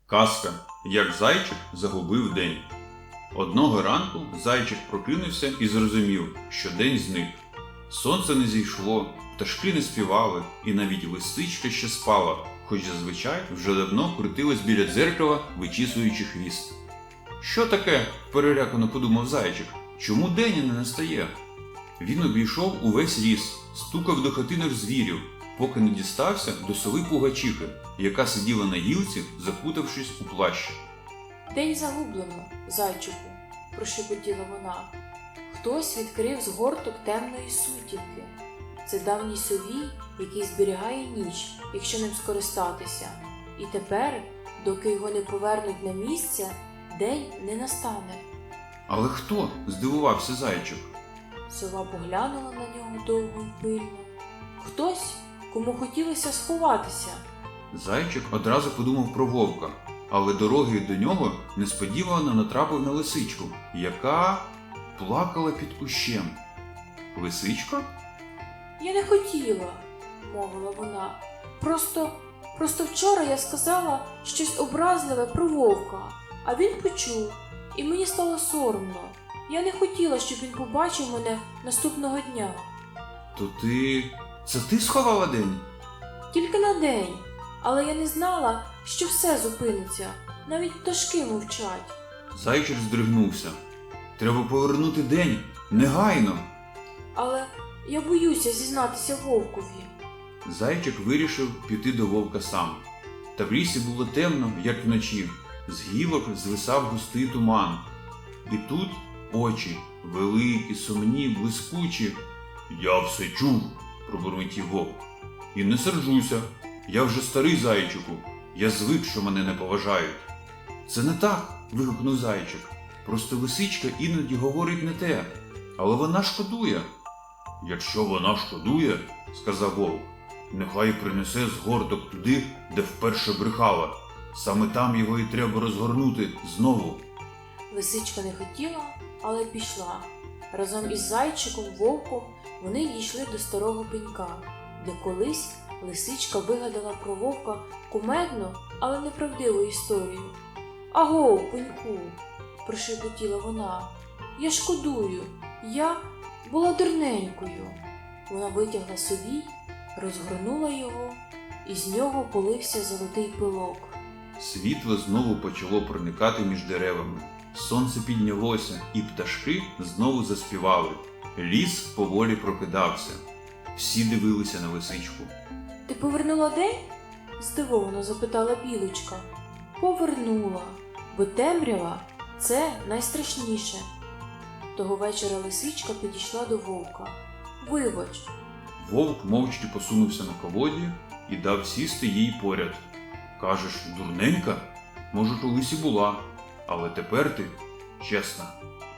Казка «Як зайчик загубив день». Одного ранку зайчик прокинувся і зрозумів, що день зник. Сонце не зійшло, пташки не співали, і навіть лисичка ще спала, хоч зазвичай вже давно крутилась біля дзеркала, вичісуючи хвіст. «Що таке?» – перелякано подумав зайчик. «Чому день не настає?» Він обійшов увесь ліс, стукав до хатинок звірів, поки не дістався до сови Пугачихи, яка сиділа на гілці, закутавшись у плащ. «День загублено, зайчику», – прошепотіла вона. «Хтось відкрив згорток темної сутінки. Це давній совій, який зберігає ніч, якщо ним скористатися. І тепер, доки його не повернуть на місце, день не настане». «Але хто?» – здивувався зайчик. Сова поглянула на нього довго й пильно. «Хтось, кому хотілося сховатися». Зайчик одразу подумав про вовка, але дорогою до нього несподівано натрапив на лисичку, яка плакала під кущем. «Лисичка?» «Я не хотіла», – мовила вона. Просто вчора я сказала щось образливе про вовка, а він почув, і мені стало соромно. Я не хотіла, щоб він побачив мене наступного дня». «То це ти сховала день?» «Тільки на день, але я не знала, що все зупиниться, навіть пташки мовчать». Зайчик здригнувся. «Треба повернути день, негайно!» «Але я боюся зізнатися вовкові». Зайчик вирішив піти до вовка сам. Та в лісі було темно, як вночі, з гілок звисав густий туман. І тут очі, великі, сумні, блискучі. «Я все чув», – пробурмотів вовк. «І не сержуся, я вже старий зайчику, я звик, що мене не поважають». «Це не так», – вигукнув зайчик. «Просто лисичка іноді говорить не те, але вона шкодує». «Якщо вона шкодує», – сказав вовк, – «нехай принесе згорток туди, де вперше брехала. Саме там його і треба розгорнути знову». Лисичка не хотіла, але пішла. Разом із зайчиком, вовком вони дійшли до старого пенька, де колись лисичка вигадала про вовка кумедну, але неправдиву історію. «Агов, пеньку!» – прошепотіла вона. «Я шкодую, я була дурненькою». Вона витягла совій, розгорнула його, і з нього полився золотий пилок. Світло знову почало проникати між деревами. Сонце піднялося, і пташки знову заспівали. Ліс поволі прокидався. Всі дивилися на лисичку. «Ти повернула день?» – здивовано запитала білочка. «Повернула, бо темрява – це найстрашніше». Того вечора лисичка підійшла до вовка. «Вибач». Вовк мовчки посунувся на колоді і дав сісти їй поряд. «Кажеш, дурненька? Може, колись і була, але тепер ти чесна».